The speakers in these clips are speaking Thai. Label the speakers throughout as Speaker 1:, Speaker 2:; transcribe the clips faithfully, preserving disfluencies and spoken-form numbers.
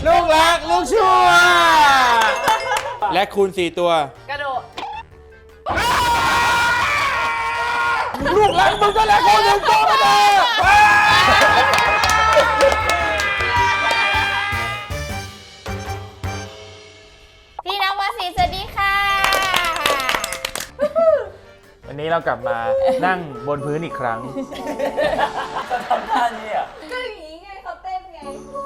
Speaker 1: ลูกรักลูกชั่วและคูณสี่ตัว
Speaker 2: กระโดด
Speaker 1: ลูกรักมึงก็แล้วคูณหนึ่งตัวมาเลย
Speaker 2: พี่น้องวสีสวัสดีค่ะ
Speaker 1: วันนี้เรากลับมานั่งบนพื้นอีกครั้ง
Speaker 3: ทำท่านี้อ่ะ
Speaker 2: ก็อย่างนี้ไงเขาเต้นไง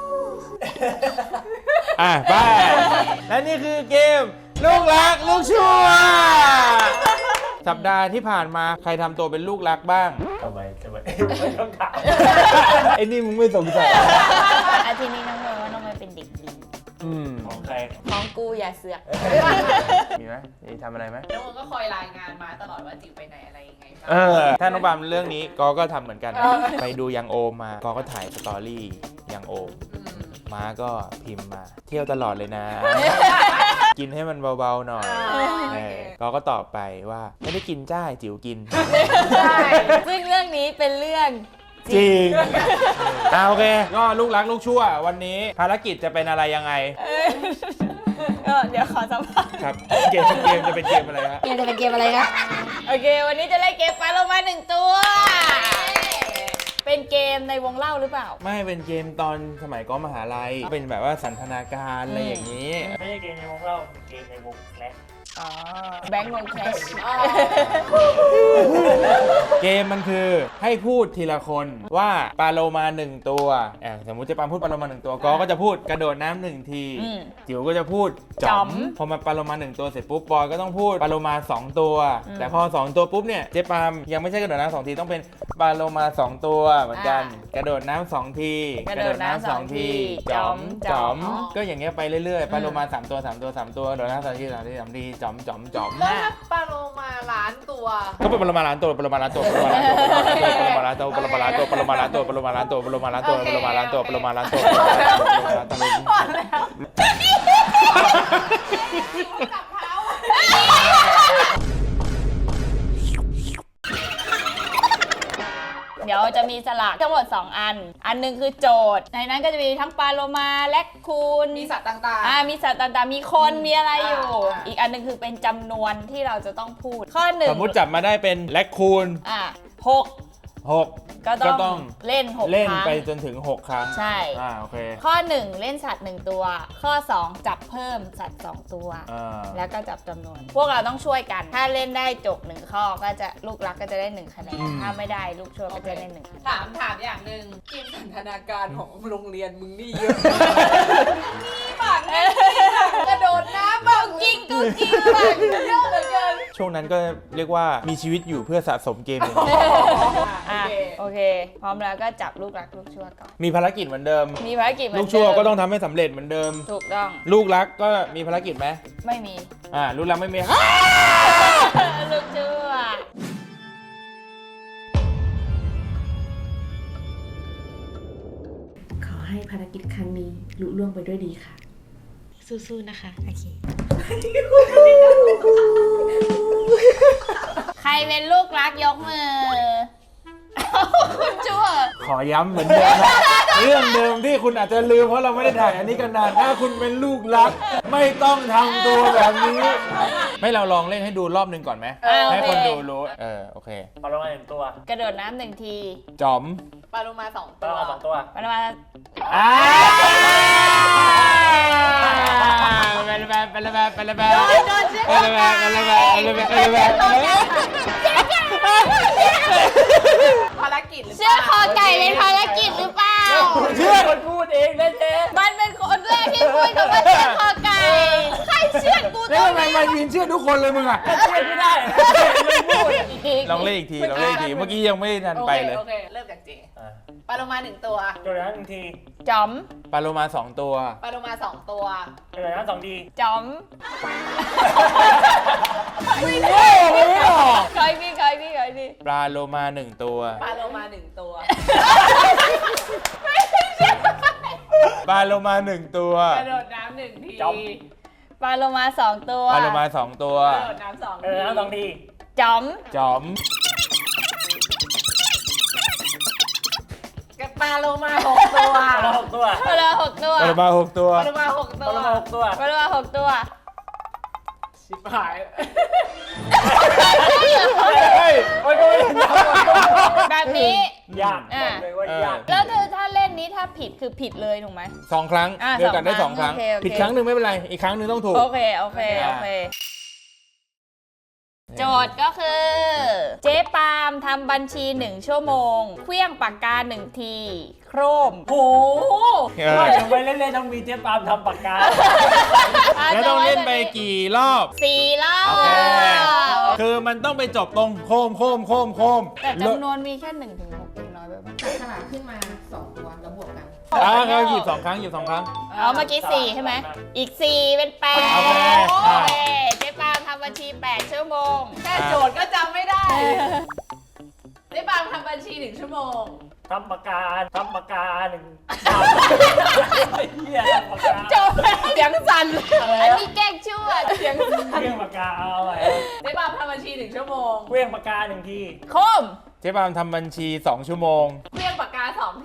Speaker 1: อ่ะไปและนี่คือเกมลูกรักลูกชั่วสัปดาห์ที่ผ่านมาใครทำตัวเป็นลูกรักบ้าง
Speaker 3: ทำไมทำไมไม่ต้องถาม
Speaker 1: ไอ้นี่มึงไม่สงสัย
Speaker 2: อาทีนี้น้องเมย์ว่าน้องเมย์เป็นเด็กดี
Speaker 3: ของใคร
Speaker 2: ของกูอย่าเสือก
Speaker 1: มีไหมมีทำอะไรไหม
Speaker 4: น้องก็คอยรายงานมาตลอดว่าจิ๋วไปไหนอะไรยังไงบ้าง
Speaker 1: เออถ้าน้องบามเรื่องนี้กอก็ทำเหมือนกันไปดูยังโอมมากอก็ถ่ายสตอรี่ยังโอมม้าก็พิมพ์มาเที่ยวตลอดเลยนะกินให้มันเบาๆหน่อยกอก็ตอบไปว่าไม่ได้กินจ้าจิ๋วกิน
Speaker 2: ใช่ซึ่งเรื่องนี้เป็นเรื่อง
Speaker 1: จริงอ่าโอเคก็ลูกรักลูกชั่ววันนี้ภารกิจจะเป็นอะไรยังไง
Speaker 2: ก็เดี๋ยวขอสัมภาษณ์
Speaker 1: ครับเกมเกมจะเป็นเกมอะไรครับ
Speaker 2: เกมจะเป็นเกมอะไรครับโอเควันนี้จะเล่นเกมปลาโลมาหนึ่งตัวเป็นเกมในวงเล่าหรือเปล่า
Speaker 1: ไม่เป็นเกมตอนสมัยก็มหาลัยเป็นแบบว่าสันทนาการอะไรอย่างนี้
Speaker 3: ไม่ใช่เกมในวงเล่าเป็นเกมในวงแคลช
Speaker 2: อ๋อแบงค์วงแคลช
Speaker 1: เกมมันคือให้พูดทีละคนว่าปลาโลมาหนึ่งตัวสมมุติจะปาพูดปลาโลมาหนึ่งตัวก็ก็จะพูดกระโดดน้ำหนึ่งทีจิ๋วก็จะพูดจ๋อมพอมาปลาโลมาหนึ่งตัวเสร็จปุ๊บบอยก็ต้องพูดปลาโลมาสองตัวแต่พอสองตัวปุ๊บเนี่ยเจ๊ปามยังไม่ใช่กระโดดน้ำสองทีต้องเป็นปลาโลมาสองตัวเหมือนกันกระโดดน้ำสองที
Speaker 2: กระโดดน้ำสองที
Speaker 1: จ๋อมจ๋อมก็อย่างเงี้ยไปเรื่อยๆปลาโลมาสามตัวสามตัวสามตัวกระโดดน้ำสามทีสามทีสามทีจ๋อมจ๋อมจ๋อม
Speaker 4: แล้วถ้าปลาโลมาล้านตัว
Speaker 1: ก็เป็นปลาโลมาล้านตัวปลาโลมาล้านตัวปลาโลมาล้านตัวปลาโลมาล้านตัวปลาโลมาล้านตัวปลาโลมาล้านตัวปลาโลมาล้านตัวปลาโลมาล้านตัวปลาโลมาล้านตัวปลาโลมาล้านตัวปลาโลมาล้านตัว
Speaker 4: พอแล้วจับเท้า
Speaker 2: เดี๋ยวจะมีสลากทั้งหมดสองอันอันนึงคือโจทย์ในนั้นก็จะมีทั้งปลาโลมาแลคคูน
Speaker 4: มีสัตว์ต่างๆ
Speaker 2: อ่ามีสัตว์ต่างๆมีคนมีอะไรอยู่อีกอันนึงคือเป็นจำนวนที่เราจะต้องพูดข้อหนึ่ง
Speaker 1: สมมติจับมาได้เป็นแลคคูน
Speaker 2: อ่าหก
Speaker 1: หก
Speaker 2: ก็ต้องเล่นหกครั้ง
Speaker 1: เล่นไปจนถึงหกครั้ง
Speaker 2: ใช่
Speaker 1: อ่าโอเค
Speaker 2: ข้อหนึ่งเล่นสัตว์หนึ่งตัวข้อสองจับเพิ่มสัตว์สองตัวแล้วก็จับจำนวนพวกเราต้องช่วยกันถ้าเล่นได้จบหนึ่งข้อก็จะลูกรักก็จะได้หนึ่งคะแนนถ้าไม่ได้ลูกชั่วก็จะได้หนึ่ง
Speaker 4: ถามถามอย่างหนึ่งจินสันทนาการของโรงเรียนมึงนี่เยอะปากนี่กระโดดน้ำบ้าง
Speaker 2: จริงกูจริงปาก
Speaker 4: เยอะเหลือเกิน
Speaker 1: ช่วงนั้นก็เรียกว่ามีชีวิตอยู่เพื่อสะสมเกมอย่างนี้
Speaker 2: โอเคพร้อมแล้วก็จับลูกรักลูกชั่วก่อน
Speaker 1: มีภารกิจเหมือนเดิม
Speaker 2: มีภารกิจเหมือน
Speaker 1: เดิมลูกชั่วก็ต้องทำให้สำเร็จเหมือนเดิม
Speaker 2: ถูกต้อง
Speaker 1: ลูกรักก็มีภารกิจไหม
Speaker 2: ไม่มี
Speaker 1: อ่าลูกรักไม่มี
Speaker 2: ลูกชั่ว
Speaker 5: ขอให้ภารกิจครั้งนี้ลุล่วงไปด้วยดีค่ะ
Speaker 2: สู้ๆนะคะโอเคใครเป็นลูกรักยกมือคุณชั่ว
Speaker 1: ขอย้ำเหมือนเดิมเรื่องเดิมที่คุณอาจจะลืมเพราะเราไม่ได้ถ่ายอันนี้กันนานถ้าคุณเป็นลูกรักไม่ต้องทำตัวแบบนี้ไม่เราลองเล่นให้ดูรอบหนึ่งก่อนไหมให้คนดูรู้เออโอเค
Speaker 3: ปลาโลมาหนึ่งตัว
Speaker 2: กระโดดน้ำหนึ่งที
Speaker 1: จอม
Speaker 4: ปลาโลมาสอง
Speaker 3: ตัวปลาโลมาสองตัว
Speaker 2: ปลาโลมา
Speaker 1: อ่าไปเลยแบบไปเลยแบบไปเลยแบบไปเลยแบบไปเลยแบบไปเลยแบบไปเลยแบบ
Speaker 4: ภารกิจหรือเปล่า
Speaker 2: เชื่อคอไก่เป็นภารกิจหรือเปล่า
Speaker 3: เชื่อคนพูดเองนะเจ๊
Speaker 2: มันเป็นคนแรกที่พูดคำว่าเชื่อคอไก่ใครเชื่อกู
Speaker 1: ตรงนี้ทำไมมายืนเชื่อทุกคนเลยมึงอ่ะ
Speaker 3: เชื่อไม่ได้
Speaker 1: ลองเล่นอีกทีลองเล่นอีกทีเมื่อกี้ยังไม่ทันไปเลย
Speaker 4: โอเคเริ่มจากเจปลาโลมาหนึ่งตัว
Speaker 3: กระโดดน้ำหนึ่งที
Speaker 2: จอม
Speaker 1: ปลาโลมาสองตัว
Speaker 4: ปลาโลมาสองตัว
Speaker 3: กระโดดน้ำสองที
Speaker 2: จอม
Speaker 1: ไม่ได้ไม่หรอ
Speaker 2: ใครพี่ใครพี่ใครพี่
Speaker 1: ปลาโลมาหนึ่งตัว
Speaker 4: ปลาโลมาหนึ่งตัว
Speaker 1: ปลาโลมาหนึ่งตัว
Speaker 4: กระโดดน้ำหนึ่งที
Speaker 2: ปลาโลมาสองตัว
Speaker 1: ปลาโลมาสองตัว
Speaker 4: กระโดดน้ำสอง
Speaker 3: กระโดดน้ำสองที
Speaker 2: จอม
Speaker 1: จอม
Speaker 4: กระปลาโลมาหกตัว
Speaker 3: ปลาหกตัว
Speaker 2: ปลาโลหกตัว
Speaker 1: ปลาโลมาหกตัว
Speaker 4: ปลาโลมาหก
Speaker 3: ป
Speaker 4: ตัว
Speaker 3: ลาหกตัว
Speaker 2: ปลาโลมาหกตัว
Speaker 4: ชิบหาย
Speaker 1: เฮ้ย
Speaker 3: โอ้ยก็ไม่ได้
Speaker 2: แบบนี้
Speaker 3: ยากบอกเลยว่ายาก
Speaker 2: แล้วเธอถ้าเล่นนี้ถ้าผิดคือผิดเลยถูกไหม
Speaker 1: สองครั้ง
Speaker 2: อ่ะ
Speaker 1: เดียวกันได้
Speaker 2: ส
Speaker 1: ส
Speaker 2: อ
Speaker 1: อง ง
Speaker 2: ค
Speaker 1: ค
Speaker 2: รั้
Speaker 1: รั้
Speaker 2: ง
Speaker 1: ง
Speaker 2: โอเคโอเค
Speaker 1: ผิดครั้งหนึ่งไม่เป็นไร อีกครั้งหนึ่งต้องถูก
Speaker 2: โอเคโอเคโอเค โจทย์ก็คือ เจ๊ปาล์มทำบัญชีหนึ่งชั่วโมงเคลี้ยงปากกาหนึ่งที โครม
Speaker 3: โอ้โห
Speaker 1: เออ
Speaker 3: ว่าจะไปเล่นๆต้องมีเจ๊ปาล์มทำปากกา
Speaker 1: แล้วต้องเล่นไปกี่รอบ
Speaker 2: สี่รอบ
Speaker 1: โอเค คือมันต้องไปจบตรงโคมโคมโคมโคม
Speaker 2: แต่จำนวนมีแค่หนึ่งถึงหกเองน้อยไปปะ
Speaker 5: จับฉลากขึ้นมาสองตัวแล้วบวกกัน
Speaker 1: อ่าเขาหยิบสองครั้งหยิบสองครั้ง
Speaker 2: เอาเมื่อกี้สี่ใช่ไหม อีกสี่เป็นแปด
Speaker 1: โอเค
Speaker 2: โอเคเจ๊ปาล์มทำบัญชีแปดชั่วโมง
Speaker 4: แค่โจทย์ก็จำไม่ได้ได้บางทำบัญชีหนึ่งชั่วโมง
Speaker 3: ทำปากกาทำปากกาหนึ่งเฮียทำปากกา
Speaker 2: จบเสียงสั่นอันนี้แกล้งชั่วเสียงสั่น
Speaker 3: เครื่องปากกาเอาไว้
Speaker 4: ได้บางทำบัญชีหนึ่งชั่วโมง
Speaker 3: เครื่องปากกาหนึ่งที
Speaker 2: คม
Speaker 1: เจ๊ปาล์มทำบัญชีสองชั่วโมง
Speaker 4: เครื่องปากกาสองที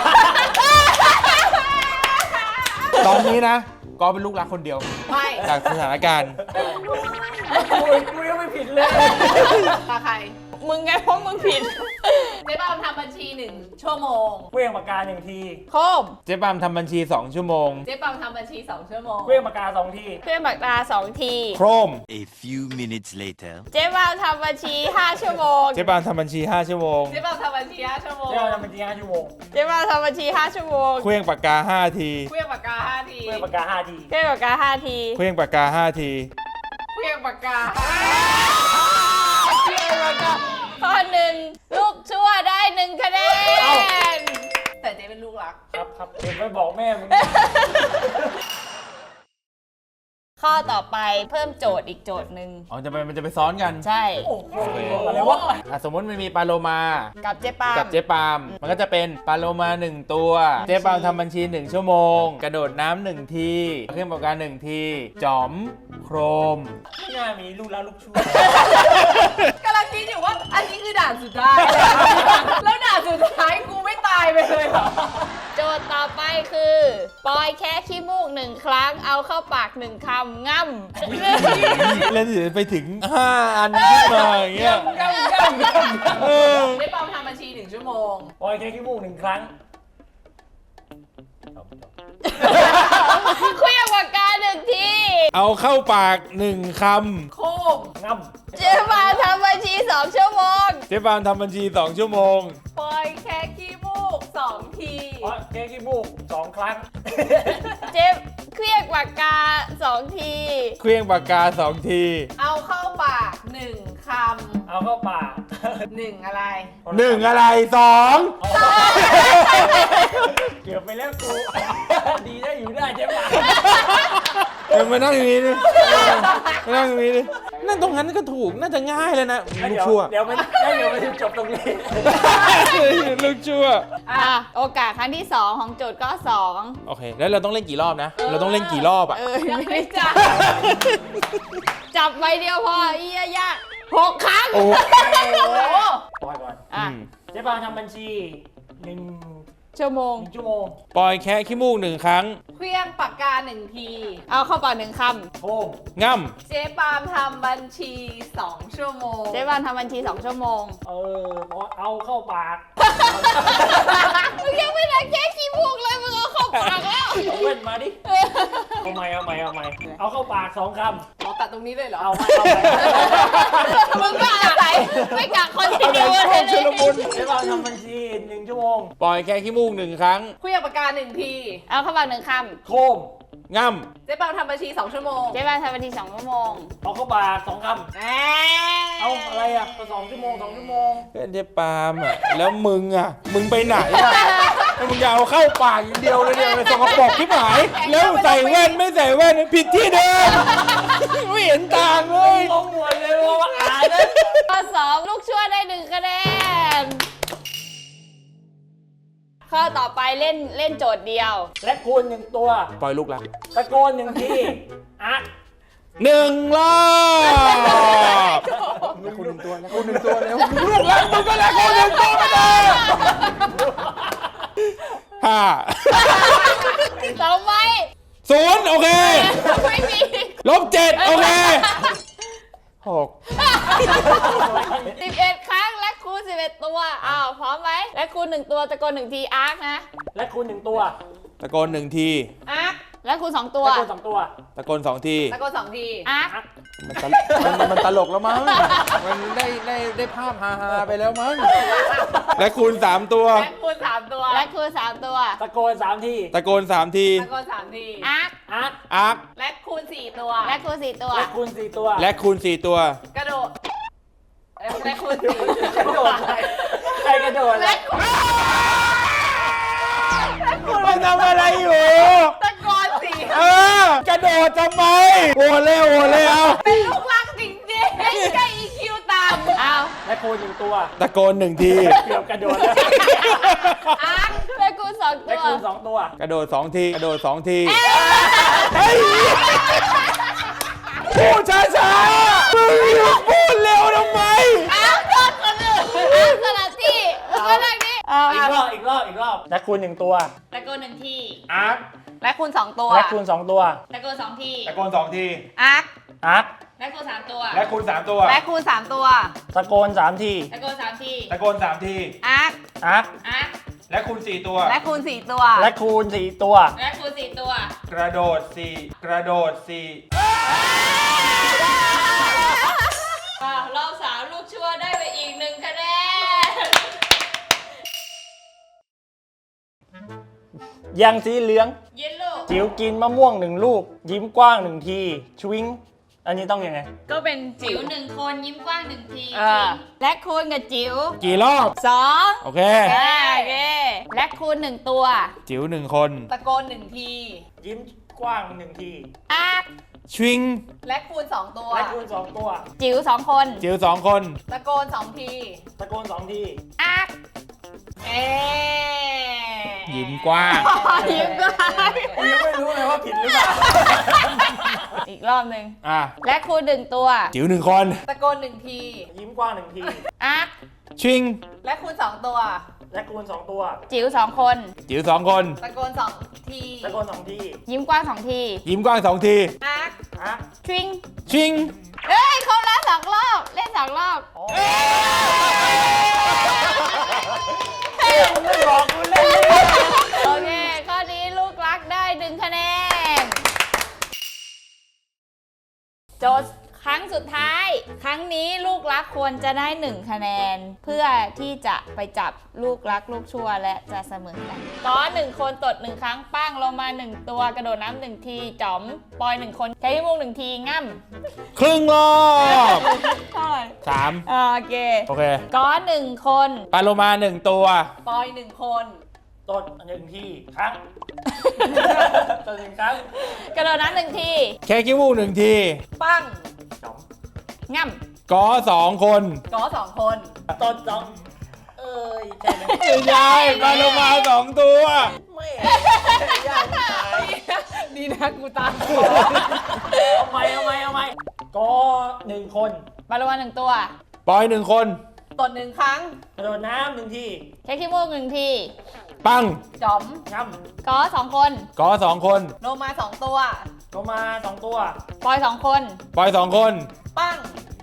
Speaker 1: ตอนนี้นะก็เป็นลูกรักคนเดียว
Speaker 4: ไม่
Speaker 1: จากสถานการณ์
Speaker 3: กูกูยังไม่ผิดเลย
Speaker 4: ตาใคร
Speaker 2: มึงไงเพราะมึงผิด
Speaker 4: ได้บางทำบัญชีหนึ่งชั่วโมง
Speaker 3: เครื่องปากกาหนึ่งที
Speaker 2: คม
Speaker 1: เจ๊ปาล์มทำบัญชีสองชั่วโมง
Speaker 4: เจ๊ปังทำบัญชีสองชั่วโมง
Speaker 3: เครื่องปากกาสองที
Speaker 2: เครื่องปากกาสองที
Speaker 1: โครม
Speaker 6: A few minutes later.
Speaker 2: เจ๊ปาล์มทำบัญชีห้าชั่วโมง
Speaker 1: เจ๊ปาล์มทำบัญชีห้าชั่วโมง
Speaker 4: เจ๊ปังทำบัญชีห้าชั่วโมง
Speaker 3: เที่ยวทำเป็นจริงห้าชั่วโมง
Speaker 2: เจ๊ปาล์มทำบัญชีห้าชั่วโมง
Speaker 1: เครื่องปากกาห้าที
Speaker 4: เครื่องปากกาห้าที
Speaker 3: เครื่องปากกาห้าที
Speaker 2: เครื่องปากกาห้าที
Speaker 1: เครื่องปากกาห้าที
Speaker 4: เครื่องปากกา
Speaker 2: ข้อหนึ่งลูกชั่วได้หนึ่งคะแนน
Speaker 4: แต่เจ๊เป็นลูกรัก
Speaker 3: ครับครับเดี๋ยวไปบอกแม่มึง
Speaker 2: ข้อต่อไปเพิ่มโจทย์อีกโจทย์หนึ่ง
Speaker 1: อ๋อจะไปมันจะไปซ้อนกัน
Speaker 2: ใช่
Speaker 3: โอ้โหอะไรวะ
Speaker 1: อ่ะสมมติมันมีปลาโลมา
Speaker 2: กับเจ๊ปาล์ม
Speaker 1: กับเจ๊ปาล์มมันก็จะเป็นปลาโลมาหนึ่งตัว เจ๊ปาล์มทำบัญชีหนึ่งชั่วโมง กระโดดน้ำหนึ่งทีเครื่องปากกาหนึ่งทีจอมโครม
Speaker 3: ไม่น่ามีลูกแล้วลูกชั่ว
Speaker 4: กำลังคิดอยู่ว่าอันนี้คือด่านสุดท้าย แล้วด่านสุดท้ายกูไม่ตายไปเลยเหรอ
Speaker 2: โจทย์ต่อไปคือปอยแค่ขี้มูกหนึ่งครั้งเอาเข้าปากหนึ่งคำง่ำ
Speaker 1: เล่นถึงไปถึงห้าอันขึ้นมาอย่างเงี้ย
Speaker 3: ย่ำย่ำย่ำ
Speaker 1: เออ
Speaker 4: ได้ปังทำบัญชีหนึ่งชั่วโมง
Speaker 3: ปล่อยแค่ขี้มูกหนึ่งครั้ง
Speaker 2: เครื่องปากกาหนึ่งที
Speaker 1: เอาเข้าปากหนึ่งค
Speaker 4: โคม
Speaker 3: ง่ำ
Speaker 2: เจ๊ปาล์มทำบัญชีสองชั่วโมง
Speaker 1: ำเจ๊ปาล์มทำบัญชีสองชั่วโมง
Speaker 4: ปล่อยแค่ขี้มูกสองที
Speaker 3: ปล่อยแค่ขี้มูกสองครั้ง
Speaker 2: เจ๊เครื่องปากกาสองที
Speaker 1: เครื่องปากกาสองที
Speaker 4: เอาเข้าปากหนึ่งค
Speaker 3: เอาเข้าปาก
Speaker 4: ำหนึ่งอะไร
Speaker 1: หนึ่งอะไรสอง
Speaker 3: เกือบไปแล้วกู ดีได้อยู่ได้ใช่ปะ
Speaker 1: เออมานั่งอย่างนี้ดิมานั่งอย่างนี้ดินั่นตรงนั้นก็ถูกน่าจะง่ายเลยนะลูก
Speaker 3: เดี๋ยว
Speaker 1: ชั่ว
Speaker 3: เดี๋ยวมันเดี๋ยวมันจะจบตรงนี้
Speaker 1: ลูกชั่ว
Speaker 2: อ่ะ โอกาสครั้งที่สองของโจทย์ก็สอง
Speaker 1: โอเค แล้วเราต้องเล่นกี่รอบนะ เราต้องเล่นกี่รอบอ่ะ
Speaker 2: เออ
Speaker 4: ยังไม่จับ
Speaker 2: จับใบเดียวพอเอียยากหกครั้ง
Speaker 1: โอ้
Speaker 3: ปล่อยก่อน
Speaker 2: อ่ะ
Speaker 1: อืม
Speaker 3: เจ๊ปาทำบัญชีหนึ่ง
Speaker 2: ชั่วโมง
Speaker 3: หนึ่งชั่วโมง
Speaker 1: ปล่อยแค่ขี้มูกหนึ่งครั้ง
Speaker 4: เครื่องปากกาหนึ่งที
Speaker 2: เอาเข้าปากหนึ่งค
Speaker 3: โค้ง
Speaker 1: ง่
Speaker 4: เจ๊ปาล์มทำบัญชีสองชั่วโมง
Speaker 2: ำเจ๊บานทำบัญชีสองชั่วโมง
Speaker 3: เออเอาเข้าปาก
Speaker 2: มึงยังไม่ได้แค่ขี้มูกเลยมึงเอาเข้าปากแล้ว
Speaker 3: เอาเว้นมาดิ เอาใหม่เอาใหม่เอาใหม่เอาเข้าปากสองคำ
Speaker 4: เราตัดตรงนี้เลยเหรอ
Speaker 3: เอาใหม่เอาใหม่
Speaker 2: มึงก็อาศัยไม่กักคนที่เดียวเลย
Speaker 1: ำชุลมุน
Speaker 3: เจ๊ปาทำบัญชีหนึ่งชั่วโมง
Speaker 1: ปล่อยแค่ขี้มูกหนึ่งครั้ง
Speaker 4: เครื่องปากกาหนึ่งที
Speaker 2: เอาเข้าปากหนึ่งค
Speaker 3: โค้ง
Speaker 1: ง่
Speaker 4: เจ๊ปาล์มทำบัญชีสองชั่วโมง
Speaker 2: ำเจ๊บานทำบัญชีสองชั่วโมง
Speaker 3: เอาเข้าปากสองค
Speaker 2: แหม
Speaker 3: ำเอาอะไรอ่ะก็สองชั่วโมงสองชั่วโมง
Speaker 1: ำเพื่อนเจ๊ปาล์มอ่ะ แล้วมึงอ่ะ มึงไปไหนอ่ะแล้วมึงจะเอาเข้าปากอย่างเดียวเลยเนี่ยสกปรกที่หาย แล้วใส่แว่นไม่ใส่แว่นผิดที่เดิมไม่เห็นต่างเลย
Speaker 3: งงหมดเลยว่าอ่านนะ
Speaker 2: ข้อสองลูกชั่วได้หนึ่งคะแนน ข้อต่อไปเล่นเล่นโจทย์เดียว
Speaker 3: และคูณหนึ่งตัว
Speaker 1: ปล่อยลูกรัก
Speaker 3: ตะโกนหนึ่งทีอ่ะ
Speaker 1: หนึ่งรอบแล้วคุณหนึ่งตัวแล้วคุณหนึ่งตัวแล้วลูกรักมึงก็แล้วคุณหนึ่งตัวไปเลยห้า
Speaker 2: สองใบ
Speaker 1: ศูนย์โอเค
Speaker 2: ไม่มี
Speaker 1: ลบเจ็ดโอเคหก
Speaker 2: สิบเอ็ดครั้งและคูณสิบเอ็ดตัวอ้าวพร้อมไหมและคูณหนึ่งตัวตะโกนหนึ่งทีอาร์คนะ
Speaker 3: และคูณหนึ่งตัว
Speaker 1: ตะโกนหนึ่งที
Speaker 2: อาร์คและคูณสองตัว
Speaker 3: และคูณสองตัว
Speaker 1: ตะโกนสองที
Speaker 4: ตะโกนสองที
Speaker 2: อาร์ค
Speaker 1: มันตลมันมันมันตลกแล้วมั้ง มันได้ได้ได้ภาพฮาๆไปแล้วมั้ง และคูณสามตัว
Speaker 4: และคูณสามตัว
Speaker 2: และคูณสามตัว
Speaker 3: ตะโกนสามที
Speaker 1: ตะโกนสามที
Speaker 4: ตะโกนสามที
Speaker 2: อาร์ค
Speaker 3: อาร์ค
Speaker 1: อาร์ค
Speaker 4: และคูณสี่ตัว
Speaker 2: และคูณสี่ตัว
Speaker 3: และคูณสี่ตัว
Speaker 1: และคูณสี่ตัว
Speaker 4: กระโดดและคูณสี่
Speaker 3: กระโดดอะไรใครกระโดดอะไร
Speaker 1: มันทำอะไรอยู่
Speaker 4: ตะโกนสี่
Speaker 1: เออกระโดดทำไมโอ้เร็วโอ้เร็ว
Speaker 4: เป็นลูกรักจริงๆไม่ใช่ อี คิว ต่ำ
Speaker 2: เอา
Speaker 3: และคูณหนึ่งตัว
Speaker 1: ตะโกนหนึ่งที
Speaker 3: เกือบกระโดดแล้ว
Speaker 2: อาร์คและคูณสองตั
Speaker 3: และ
Speaker 2: ว
Speaker 3: คูณสองตัว
Speaker 1: กระโดดสองที กระโดดสองทีเฮ้ยพูดช้าๆมึงพูดเร็วทำไม
Speaker 2: อาร์คโดนคนอื่นอาร์คสลับที่ก็ได้นี่เอา
Speaker 3: อีกรอบอีกรอบอีกรอบและคูณหนึ่งตัว
Speaker 2: ตะโกนหนึ่งที
Speaker 3: อาร์ค
Speaker 4: และคูณสองตัว
Speaker 3: และคูณสองตัว
Speaker 2: ตะโกนสองที
Speaker 1: ตะโกนสองที
Speaker 4: อาร์ค
Speaker 3: อาร์ค
Speaker 2: และคูณสามตัว
Speaker 1: และคูณสามตัว
Speaker 4: และคูณสามตัว
Speaker 3: ตะโกนสามที
Speaker 2: ตะโกนสามที
Speaker 1: ตะโกนสามที
Speaker 4: อาร์ค
Speaker 3: อาร์ค
Speaker 2: อาร์ค
Speaker 1: และคูณสี่ตัว
Speaker 4: และคูณสี่ตัว
Speaker 3: และคูณสี่ตัว
Speaker 2: และคูณสี่ตัว
Speaker 1: กระโดดสี่กระโดดสี่
Speaker 2: อ่ะรอบสามลูกชั่วได้ไปอีกหนึ่งคะแนน
Speaker 3: ยังสีเหลือง
Speaker 2: เย็นลูก
Speaker 3: จิ๋วกินมะม่วงหนึ่งลูก ยิ้มกว้างหนึ่งทีชวิงอันนี้ต้องยังไง
Speaker 4: ก็เป็น
Speaker 2: จิ๋วหนึ่งคนยิ้มกว้างหนึ่งที
Speaker 4: อ่า
Speaker 2: และคูณกับจิ๋ว
Speaker 1: กี่รอบ
Speaker 2: สอง
Speaker 1: โอเค
Speaker 2: โอเคและคูณหนึ่งตัว
Speaker 1: จิ๋วหนึ่งคน
Speaker 4: ตะโกนหนึ่งที
Speaker 3: ยิ้มกว้างหนึ่งที
Speaker 2: อาร์ค
Speaker 1: ชวิง
Speaker 4: และคูณสองตัว
Speaker 3: และคูณสองตัว
Speaker 2: จิ๋วสองคน
Speaker 1: จิ๋วสองคน
Speaker 4: ตะโกนสองที
Speaker 3: ตะโกนสองที
Speaker 2: อาร์ค
Speaker 4: เอ๊ะ
Speaker 1: ยิ้มกว้าง
Speaker 2: ยิ้มกว้าง
Speaker 3: กูยังไม่รู้เลยว่าผิดหรือเปล่า
Speaker 2: อีกรอบหนึ่ง
Speaker 1: อ่ะ
Speaker 2: และคูณหนึ่งตัว
Speaker 1: จิ๋วหนึ่งคน
Speaker 4: ตะโกนหนึ่งที
Speaker 3: ยิ้มกว้างหนึ่งที
Speaker 2: อาร์ค
Speaker 1: ชิง
Speaker 4: และคูณสองตัว
Speaker 3: และคูณสองตัว
Speaker 2: จิ๋วสองคน
Speaker 1: จิ๋วสองคน
Speaker 4: ตะโกนสองที
Speaker 3: ตะโกนสองที
Speaker 2: ยิ้มกว้างสองที
Speaker 1: ยิ้มกว้างสองที
Speaker 4: อาร์ค
Speaker 3: อาร์ค
Speaker 2: ทริง
Speaker 1: ชิง
Speaker 2: เอ้ยครบแล้วสองรอบ เล่นสองรอบ
Speaker 3: ไม่บอกกูเล่น
Speaker 2: โอเค ข้อนี้ลูกรักได้หนึ่งคะแนน โจทย์ครั้งสุดท้าย ครั้งนี้ลูกรักควรจะได้หนึ่งคะแนน เพื่อที่จะไปจับลูกรักลูกชั่วและจะเสมอกันก้อนหนึ่งคนตดหนึ่งครั้งปั้งลงมาหนึ่งตัวกระโดดน้ำหนึ่งทีจ๋อมปอยหนึ่งคนใช้พี่มุกหนึ่งทีง่ำ
Speaker 1: ครึ่งรอบ
Speaker 2: เท่าไหร่
Speaker 1: สาม
Speaker 2: อ่าโอเค
Speaker 1: โอเค
Speaker 2: ก้อนหนึ่งคน
Speaker 1: ปลาโลมาหนึ่งตัว
Speaker 4: ปอยหนึ่งคน
Speaker 3: ตดหนึ่งทีครั้งตดหนึ่งครั้ง
Speaker 2: กระโดดน้ำหนึ่งที
Speaker 1: แค่ขี้มูกหนึ่งที
Speaker 4: ปั้ง
Speaker 3: สอง
Speaker 2: ง่ำ
Speaker 1: กอสองคน
Speaker 4: กอสองคน
Speaker 3: ตดสองเอ้ยใช่ไหม
Speaker 1: ไม่ใช่ปลาโลมาสองตัว
Speaker 3: ไม่ยากตาย
Speaker 4: ดีนะกูตาม
Speaker 3: เอาไหมเอาไหมเอาไหมก็หนึ่งคน
Speaker 2: ปลาโลมาหนึ่งตัว
Speaker 1: ปอยหนึ่งคน
Speaker 4: ตดหนึ่งครั้ง
Speaker 3: กระโดดน้ำหนึ่งที
Speaker 2: ใช้ขี้มูกหนึ่งที
Speaker 1: ปัง
Speaker 4: จ๋อม
Speaker 3: ง่
Speaker 2: กอสองคน
Speaker 1: กอสองคน
Speaker 4: โลมาสองตัว
Speaker 3: ำลงมาสองตัว
Speaker 2: ปอยสองคน
Speaker 1: ปอยสองคน
Speaker 4: ปั้ง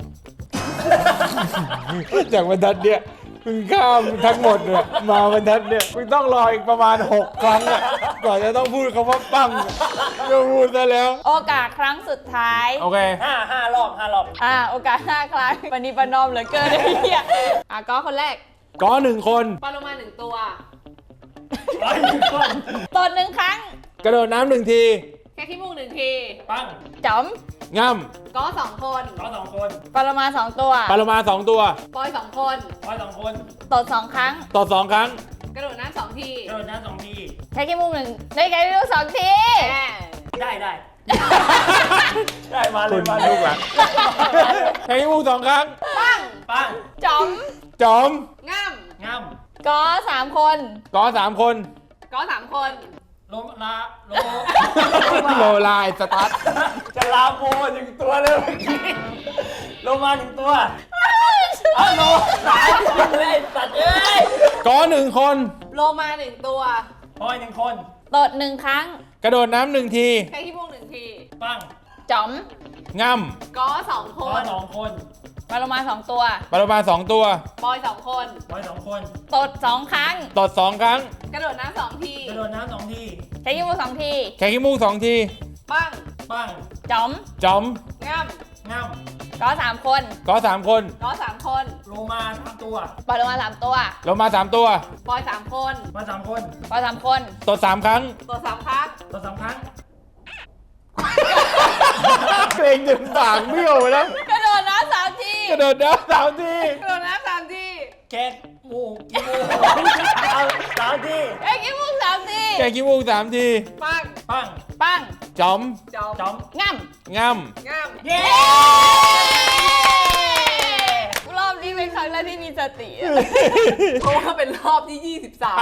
Speaker 1: จากบรรทัดเนี่ยมึงข้ามทั้งหมดเนี่ยมาบรรทัดเนี่ยมึงต้องรออีกประมาณหกครั้งอ่ะก่อนจะต้องพูดคำว่าปังจะพูดซะแล้ว
Speaker 2: โอกาสครั้งสุดท้าย
Speaker 1: โอเค
Speaker 3: ห้าห้ารอบห้ารอบ
Speaker 2: อ่า โอกาสห้าครั้งปณิประนอมเหลือเกินไอ้เหี้ยอ่ะก็คนแรก
Speaker 1: กอหนึ่งคน
Speaker 4: ปลาโลมาหนึ่งตัว
Speaker 3: ร้อยหนึ่งคน
Speaker 2: ตดหนึ่งครั้ง
Speaker 1: กระโดดน้ำหนึ่งที
Speaker 4: แค่ขี้มูกหนึ่งที
Speaker 3: ปั้ง
Speaker 2: จ๋อม
Speaker 1: ง่
Speaker 4: กอสองคน
Speaker 3: ร้อยสองคน
Speaker 2: ปรมาสองตัว
Speaker 1: ำปลาโลมาสองตัว
Speaker 4: ปอยสองคน
Speaker 3: ร้อยสองคน
Speaker 2: ตดสองครั้ง
Speaker 1: ต่อสองครั้ง
Speaker 4: กระโดดน้ำสองที
Speaker 3: กระโดดน้ำสองที
Speaker 2: ใช้ขี้มูกหนึ่งได้ไงไม่รู้สองที
Speaker 4: แหม
Speaker 3: ได้ได้ ได้มาเล
Speaker 1: คุ
Speaker 3: ย
Speaker 1: ณ
Speaker 3: มา
Speaker 1: ลูกหลังให้มูกสองครั้ง
Speaker 4: ปั้ง
Speaker 3: ปั้ง
Speaker 2: จ๋อม
Speaker 1: จอม
Speaker 4: ง่
Speaker 3: ง่
Speaker 2: กอสามคน
Speaker 1: กอสามคน
Speaker 4: ำกอสามคน
Speaker 3: ำลมลาโล
Speaker 1: โลลายสตาร์ท
Speaker 3: จะลาโมหนึ่งตัวเลยเมื่อกี้ลงมาหนึ่งตัวอ้าวโลสามตัวเลยสัตว์เอ้ย
Speaker 1: กอหนึ่งคน
Speaker 4: โลมาหนึ่งตัว
Speaker 1: ป
Speaker 3: ปอยหนึ่งคน
Speaker 2: ตดหนึ่งครั้ง
Speaker 1: กระโดดน้ำหนึ่งที
Speaker 4: แค่ขี้มูกหนึ่งที
Speaker 3: ปั้ง
Speaker 2: จ๋อม
Speaker 1: ง่
Speaker 4: ก็สองค
Speaker 3: ปอน ยสองคน
Speaker 2: ปลาโลมาสองตัว
Speaker 1: ำปลาโลมาสองตัว
Speaker 4: บอยสองคน
Speaker 3: ปอยสองคน
Speaker 2: ตดสองครั้ง
Speaker 1: ตดสองครั้ง
Speaker 4: กระโดดน้ำสองที
Speaker 3: กระโดดน้ำสองที
Speaker 2: ใช้ยิ้มสองที
Speaker 1: แค่ขี้มูกสองที
Speaker 4: ปั้ง
Speaker 3: ปั้ง
Speaker 2: จ๋อม
Speaker 1: จอม
Speaker 4: ง่
Speaker 3: ง่
Speaker 2: ก็สามคน
Speaker 1: ก็สามคน
Speaker 4: ำก็สามคน
Speaker 3: ำโลมาสามตัว
Speaker 2: ปลาโลมาสามตัว
Speaker 1: โลมาสามตัว
Speaker 4: บอยสามคน
Speaker 3: มาสามคน
Speaker 2: ปลาสามคน
Speaker 1: ตดสามครั้ง
Speaker 4: ตัวสามครั้ง
Speaker 3: ตัวสามครั้ง
Speaker 1: เกรงจนปากเบี้ยวไปแล้ว
Speaker 2: กระโดดน้ำสามที
Speaker 1: กระโดดน้ำสามที
Speaker 4: กระโดดน้ำสามที
Speaker 3: แค่มูกอีมูกเอาสามที
Speaker 2: เอ้ยยิ้มสามที
Speaker 1: แค่ขี้มูกสามที
Speaker 4: ปั้ง
Speaker 3: ปั้ง
Speaker 2: ปัง
Speaker 1: จอม
Speaker 4: จอม
Speaker 3: จอม
Speaker 2: ง่ำ
Speaker 1: ง่
Speaker 4: ง่
Speaker 3: เย้
Speaker 2: รอบนี้เป็นครั้งแรกที่มีสติอะ
Speaker 4: ำเพราะว่าเป็นรอบที่ยี่สิบสาม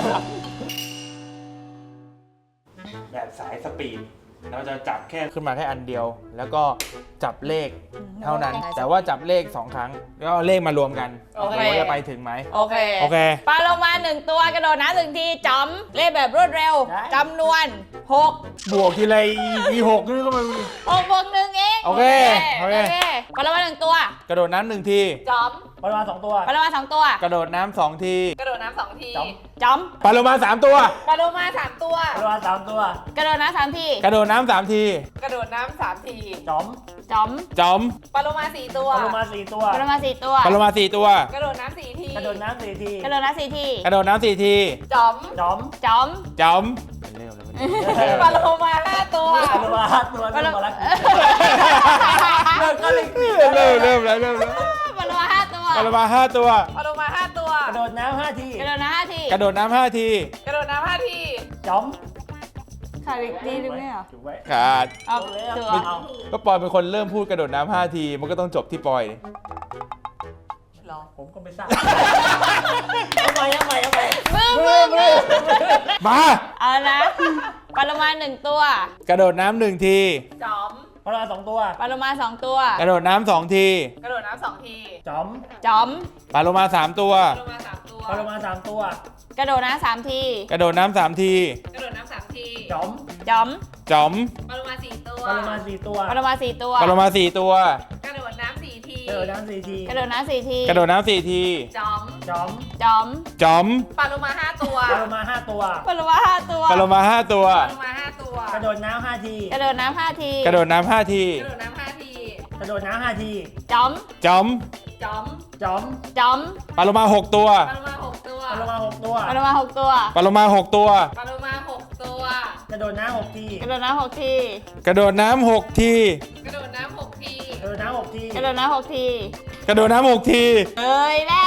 Speaker 1: ำแบบสายสปีด เราจะจับแค่ขึ้นมาแค่อันเดียว แล้วก็จับเลขเท่านั้น แต่ว่าจับเลขสองครั้ง แล้วเอาเลขมารวมกัน
Speaker 2: โอเค
Speaker 1: ว่าจะไปถึงไหม
Speaker 2: โอเค
Speaker 1: โอเค
Speaker 2: ปลาโลมาหนึ่งตัวกระโดดน้ำหนึ่งทีจอมเล่นแบบรวดเร็วจำนวนหก
Speaker 1: บวกทีไรมีหกนี่ก็มัน
Speaker 2: หกบวกหนึ่งเอง
Speaker 1: โอเคโอเค
Speaker 2: ปลาโลมาหนึ่งตัว
Speaker 1: กระโดดน้ำหนึ่งที
Speaker 4: จอม
Speaker 3: ปอยมาสองตัว
Speaker 2: ปลาโลมาสองตัว
Speaker 1: กระโดดน้ำสองที
Speaker 4: กระโดดน้ำสองที
Speaker 3: จอม
Speaker 2: จอม
Speaker 1: ปลาโลมาสามตัว
Speaker 4: ปลาโลมาสามตัว
Speaker 3: ปอยมาสามตัว
Speaker 2: กระโดดน้ำสามที
Speaker 1: กระโดดน้ำสามที
Speaker 4: กระโดดน้ำสามที
Speaker 3: จอม
Speaker 2: จอม
Speaker 1: จอม
Speaker 4: ปลาโลมาสี่ตัว
Speaker 3: ปอยมาสี่ตัว
Speaker 2: ปลาโลมาสี่ตัว
Speaker 1: ปลาโลมาสี่ตัว
Speaker 4: กระโดดน้ำสี่ที
Speaker 3: กระโดดน้ำสี่ที
Speaker 2: กระโดดน้ำสี่ที
Speaker 1: กระโดดน้ำสี่ที
Speaker 4: จอม
Speaker 3: จอม
Speaker 2: จอม
Speaker 1: จอมเร็วเลย
Speaker 4: ปลาโลมาห้าตัว
Speaker 3: ปอยมาห้าตัว
Speaker 2: ปลาโล
Speaker 3: เริ่มมาแล้ว
Speaker 1: เริ่มก็เลยเริ่มเริ่มแล้วเริ่มแล้ว
Speaker 2: ปลาโลมาห้าตัว
Speaker 1: ปลาโลมาห้าตัว
Speaker 4: ปลาโลมาห้าตัว
Speaker 3: กระโดดน้ำห้าที
Speaker 2: กระโดดน้ำห้าที
Speaker 1: กระโดดน้ำห้าที
Speaker 4: กระโดดน้ำห้าที
Speaker 3: จอม
Speaker 2: ขาดอีกทีนึงไหมอ่ะ
Speaker 3: ถูกไว้
Speaker 1: ขาด
Speaker 2: เอา
Speaker 3: เอา
Speaker 2: ตัว
Speaker 3: เอา
Speaker 1: ก็ปอยเป็นคนเริ่มพูดกระโดดน้ำห้าที มันก็ต้องจบที่ปอย
Speaker 3: รอผมก็ไม่ทราบเอาไปเอาไปเอาไป
Speaker 2: มือมือมือ
Speaker 1: มา
Speaker 2: เอานะปลาโลมาหนึ่งตัว
Speaker 1: กระโดดน้ำหนึ่งที
Speaker 4: จอม
Speaker 3: ปอยมาสองตัว
Speaker 2: ปลาโลมาสองตัว
Speaker 1: กระโดดน้ำสองที
Speaker 4: กระโดดน้ำสองที
Speaker 3: จอม
Speaker 2: จอม
Speaker 1: ปลาโลมาสามตัว
Speaker 4: ปลาโลมาสามตัว
Speaker 3: ปอยมาสามตัว
Speaker 2: กระโดดน้ำสามที
Speaker 1: กระโดดน้ำสามที
Speaker 4: กระโดดน้ำสามที
Speaker 3: จอม
Speaker 2: จอม
Speaker 1: จอม
Speaker 4: ปลาโลมาสี่ตัว
Speaker 3: ปอยมาสี่ตัว
Speaker 2: ปลาโลมาสี่ตัว
Speaker 1: ปลาโลมาสี่ตัว
Speaker 4: กระโดดน้ำสี่ที
Speaker 3: กระโดดน้ำสี่ที
Speaker 2: กระโดดน้ำสี่ที
Speaker 1: กระโดดน้ำสี่ที
Speaker 4: จอม
Speaker 3: จอม
Speaker 2: จอม
Speaker 1: จอม
Speaker 4: ปลาโลมาห้าตัว
Speaker 3: ปอยมาห้าตัว
Speaker 2: ปลาโลมาห้าตัว
Speaker 1: ปลาโลมาห้าตัว
Speaker 4: ปลาโลมาห้าตัว
Speaker 3: กระโดดน้ำห้าที
Speaker 2: กระโดดน้ำห้าที
Speaker 1: กระโดดน้ำห้าที
Speaker 4: กระโดดน้ำห้าที
Speaker 3: กระโดดน้ำห้าที
Speaker 2: จอม
Speaker 1: จอม
Speaker 4: จอม
Speaker 3: จอม
Speaker 2: จอม
Speaker 1: ปลาโลมาหกตัว
Speaker 4: ปลาโลมาหกตัว
Speaker 3: ปอยมาหกตัว
Speaker 2: ปลาโลมาหกตัว
Speaker 1: ปลาโลมาหกตัว
Speaker 4: ปลาโลมาหกตัว
Speaker 3: กระโดดน้ำหกที
Speaker 2: กระโดดน้ำหกที
Speaker 1: กระโดดน้ำหกที
Speaker 4: กระโดดน้ำหกที
Speaker 3: กระโดดน้ำหกที
Speaker 2: กระโดดน้ำหกที
Speaker 1: กระโดดน้ำหกที
Speaker 2: เอ้ยแล้ว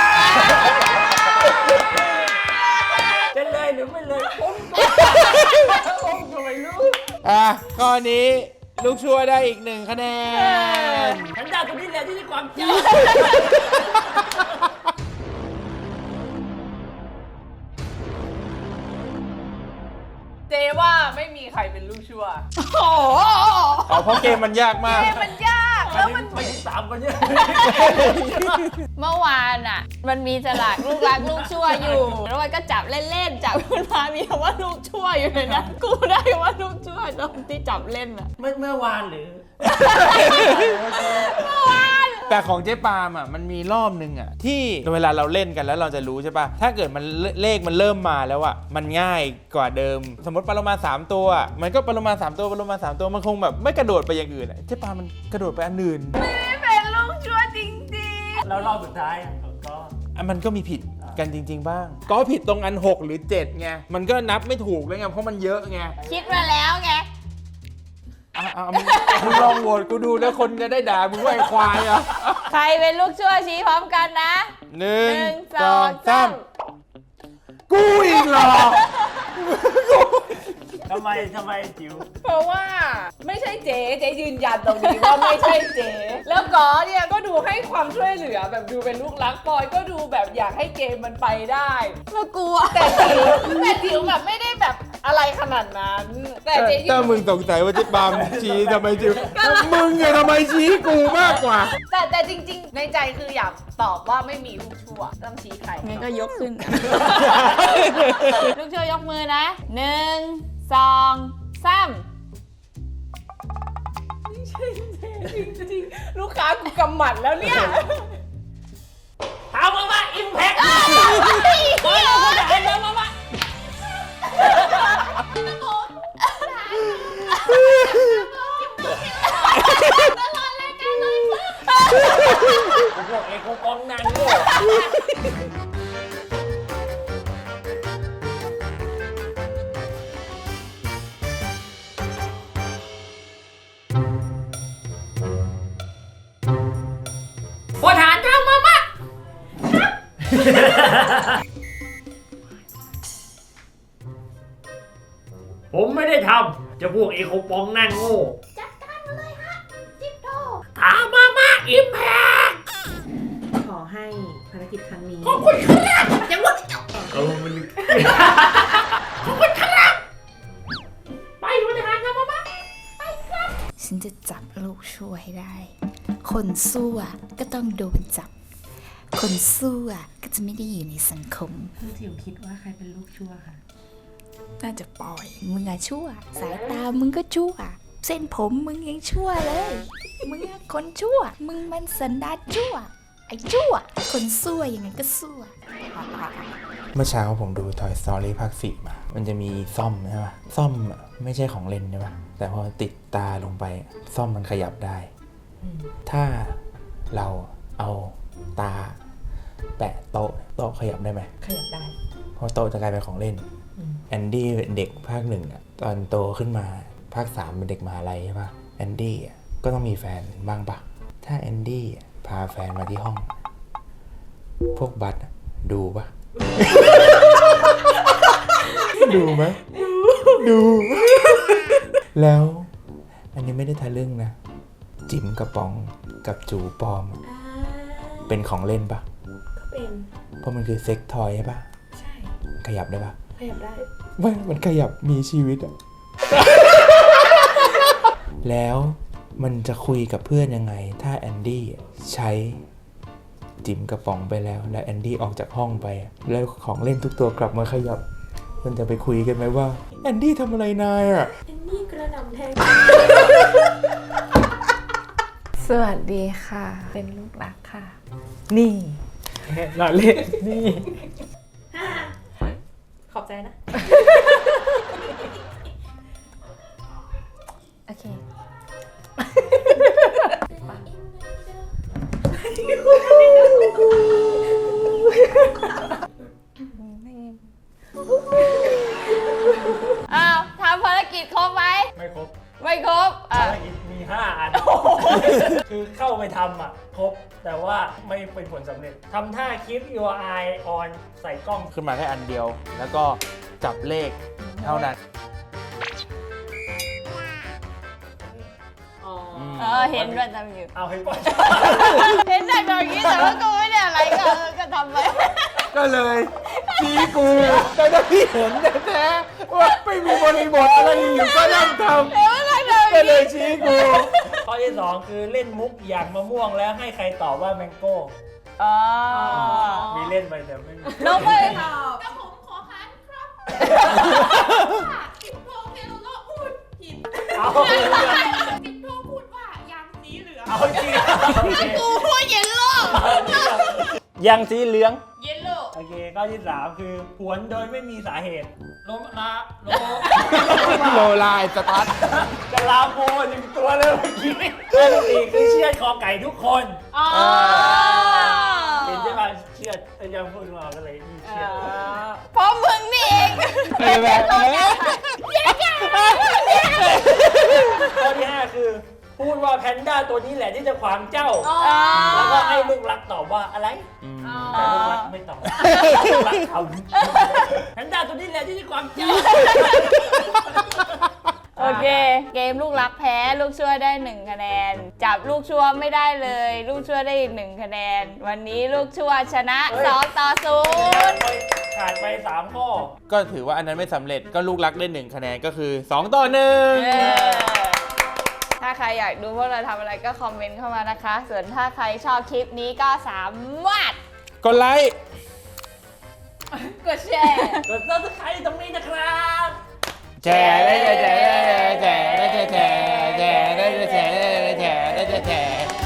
Speaker 3: จะเลยหรือไม่เลยผมผมก็ไม่รู้
Speaker 1: อ่ะข้อนี้ลูกชั่วได้อีกหนึ่งคะแนน
Speaker 3: ฉันดาวตัวนี้แหละที่มีความจำ
Speaker 4: เจว่าไม่มีใครเป็นลูกชั่ว
Speaker 2: โอ้โห
Speaker 1: อ๋อเพราะเกมมันยากมาก
Speaker 4: เกมมันยากแล้วมัน
Speaker 3: ไปที่สามคนเนี่ย
Speaker 2: เมื่อวานอ่ะ มันมีสลากลูกรักลูกชั่วอยู่ แล้วมันก็จับเล่นๆ จับขึ้นมามีคำว่าลูกชั่วอยู่ในนั้นกูได้ว่าลูกชั่วตอนที่จับเล่นอ่ะ
Speaker 3: เมื่อเมื่อวานหรือ
Speaker 1: แต่ของเจ๊ปาล์มอ่ะมันมีรอบนึงอ่ะที่เวลาเราเล่นกันแล้วเราจะรู้ใช่ปะถ้าเกิดมันเลเลขมันเริ่มมาแล้วอ่ะมันง่ายกว่าเดิม สมมติปลาโลมาสามตัว มันก็ปลาโลมาสามตัวปลาโลมาสามตัวมันคงแบบไม่กระโดดไปอย่างอื่นอะเจ๊ปาล์มมันกระโดดไปอันอื่น
Speaker 4: ไม่เป็นลูกชั่วจริง
Speaker 3: แล้วรอบสุดท้ายอ่ะก็
Speaker 1: อ่ะมันก็มีผิดกันจริง ๆ บ้าง ก็ผิดตรงอันหกหรือเจ็ดไงมันก็นับไม่ถูกเลยไงเพราะมันเยอะไง
Speaker 2: คิดมาแล้วไง
Speaker 1: อ่ะอ่ะมึงมึงลองโหวตกูดูแล้วคนจะได้ด่ามึงว่าไอ้ควายอ่ะ
Speaker 2: ใครเป็นลูกชั่วชี้พร้อมกันนะ
Speaker 1: หนึ่ง
Speaker 2: หนึ่ง
Speaker 1: สองสาม
Speaker 2: สอง
Speaker 1: กูอีกเหรอ
Speaker 3: ทำไมทำไมจิ๋ว
Speaker 4: ๆ เพราะว่าไม่ใช่เจ๊เจ๊ยืนยันตรงนี้ว่าไม่ใช่เจ๊แล้วก็เนี่ยก็ดูให้ความช่วยเหลือแบบดูเป็นลูกรักปอยก็ดูแบบอยากให้เกมมันไปได้
Speaker 2: แล้วกลัว
Speaker 4: แต่จิ๋วแต่จิ๋วแบบไม่ได้แบบอะไรขนาดนั้น แต่เจ๊ยืน
Speaker 1: ถ้ามึงสงสัยว่าเจ๊ปามชี้ทำไมจิ๋วมึงไงทำไมชี้กูมากกว่า
Speaker 4: แต่แต่จริงๆ ในใจคืออยากตอบว่าไม่มีลูกชั่วต้องชี้ใคร
Speaker 2: งั้นก็ยกขึ้น ลูกช่วยยกมือนะหนึ่งสองสาม
Speaker 4: ไม่ใช่เจ๊จริงๆ ลูกค้ากูกำหมัดแล้วเนี่ย
Speaker 3: ถามมาว่าอิมแพคมามามา พวกเอกกองนันโง่พลฐานทำมามาผมไม่ได้ทำจะพวกเอกปองนั่นโง่จัดการมาเลยฮะจิบโตถามมามาอิมแพค
Speaker 5: ขอให้ภารกิจครั้งนี้
Speaker 3: ขอบคุณครับยังว่าจะเอามันขอบคุณครับไปพลทหารทำมามาไปครับ
Speaker 7: ฉันจะจับลูกชั่วให้ได้ คนซั่วก็ต้องโดนจับ คนซั่วก็จะไม่ได้อยู่ในสังคม
Speaker 5: คือจิ๋วคิดว่าใครเป็นลูกชั่วค่ะ
Speaker 7: น่าจะปล่อย มึงอะชั่ว สายตามึงก็ชั่ว เส้นผมมึงยังชั่วเลย มึงอะคนชั่ว มึงมันสันดานชั่ว ไอ้ชั่ว คนซั่วยังไงก็ซั่ว
Speaker 1: เมื่อเช้าผมดู Toy Story ภาคสี่มา มันจะมีซ่อมใช่ปะซ่อมอะไม่ใช่ของเล่นใช่ปะแต่พอติดตาลงไปซ่อมมันขยับได้ ถ้าเราเอาตาแปะโต๊ะโต๊ะขยับได้ไหม
Speaker 5: ขยับได้
Speaker 1: เพราะโต๊ะจะกลายเป็นของเล่น แอนดี้เป็นเด็กภาคหนึ่งอะตอนโตขึ้นมาภาคสามเป็นเด็กมหาลัยใช่ปะแอนดี้อะก็ต้องมีแฟนบ้างปะถ้าแอนดี้อะพาแฟนมาที่ห้อง พวกบัตอะดูปะ ดูไหมดู แล้วอันนี้ไม่ได้ทะลึ่งนะ จิ๋มกระป๋องกับจูปลอมอะเป็นของเล่นปะ
Speaker 5: ก็เป็น
Speaker 1: เพราะมันคือเซ็กทอยใช่ปะ
Speaker 5: ใช่
Speaker 1: ขยับได้ปะ
Speaker 5: ขยับได้
Speaker 1: ไม่มันขยับมีชีวิตอะ แล้วมันจะคุยกับเพื่อนยังไง ถ้าแอนดี้ใช้จิ๋มกระป๋องไปแล้วแล้วแอนดี้ออกจากห้องไปอะแล้วของเล่นทุกตัวกลับมาขยับ มันจะไปคุยกันไหมว่าแอนดี้ทำอะไรนายอะ
Speaker 5: เอ็นนี่กระดำแทง
Speaker 4: สวัสดีค่ะ เป็นลูกรักค่ะ นี่
Speaker 3: หล่อเล่นนี่
Speaker 5: ขอบใจนะ
Speaker 2: โอเค อ้าวทำภารกิจครบไหม
Speaker 3: ไม่ครบ
Speaker 2: ไม่ครบ อ่ะ
Speaker 3: ภารกิจมีห้าอัน คือเข้าไปทำอ่ะ ครบ แต่ว่าไม่เป็นผลสำเร็จทำท่า keep your eye on ใส่กล้อง
Speaker 1: ขึ้นมาแค่อันเดียว แล้วก็จับเลขเท่านั้น
Speaker 4: อ๋อ
Speaker 2: เออ เห็นด้วยทำอยู่
Speaker 3: เอาให้ก่อน
Speaker 2: เห็นแต่แบบนี้แต่ว่ากูไม่ได้อะไรก็เออก็ทำไป
Speaker 1: ก็เลยชี้กูแต่ถ้าพี่เห็นแท้ๆว่าไม่มีบริบทอะไรอยู่ก็นั่งทำ
Speaker 2: เดี๋ยวอะไรเดี๋ยว
Speaker 1: ก็เลยชี้กู
Speaker 3: ข้อที่สองคือเล่นมุกอย่างมะม่วงแล้วให้ใครตอบว่าแมงโก้
Speaker 2: อ๋อ
Speaker 3: มีเล่นไปแต่ไม่มี
Speaker 2: น้องไป
Speaker 5: ตอบ
Speaker 8: แต่ผมขอค้านครับสิบโทเทโลโลพูดผิด
Speaker 3: เอา
Speaker 8: สิบโทพูดว่ายางสีเหลือง
Speaker 3: เอาจริงโอเค
Speaker 2: กูพูดเย็นโลก
Speaker 3: ยังสีเหลือง
Speaker 8: เยลโล่
Speaker 3: โอเคข้อที่สามคือผวนโดยไม่มีสาเหตุลมลาโล
Speaker 1: โลลายสตาร์ท
Speaker 3: จะลาโมหนึ่งตัวเลยเมื่อกี้ข้อที่สี่คือเชือดคอไก่ทุกคน
Speaker 2: อ๋อ
Speaker 3: เห็นใช่ไหมเชือดแต่ยังพูดมาก็เลยมีเชือด
Speaker 2: เพราะมึงนี่เอง
Speaker 1: เออแบบนี้
Speaker 3: ข้อที่ห้าคือ พูดว่าแพนด้าตัวนี้แหละที่จะขวางเจ้า
Speaker 2: อ๋อ
Speaker 3: แล้วก็ให้ลูกรักตอบว่าอะไรแต่ลูกรักไม่ตอบลูกรักทำแพนด้าตัวนี้แหละที่จะขวางเจ้า
Speaker 2: โอเค เกมลูกรักแพ้ลูกชั่วได้หนึ่งคะแนน จับลูกชั่วไม่ได้เลย ลูกชั่วได้อีกหนึ่งคะแนน วันนี้ลูกชั่วชนะสองต่อศูนย์
Speaker 3: ขาดไปสามข้อ
Speaker 1: ก็ถือว่าอันนั้นไม่สำเร็จก็ลูกรักได้หนึ่งคะแนนก็คือสองต่อหนึ่ง
Speaker 2: เออถ้าใครอยากดูพวกเราทำอะไรก็คอมเมนต์เข้ามานะคะ ส่วนถ้าใครชอบคลิปนี้ก็สามารถ
Speaker 1: กดไลค์
Speaker 4: กดแชร์
Speaker 3: กด subscribe ตรงนี้นะครับ
Speaker 1: แชร์ได้แชร์ได้แชร์ได้แชร์ได้แชร์ได้แชร์ได้แชร์ได้แชร์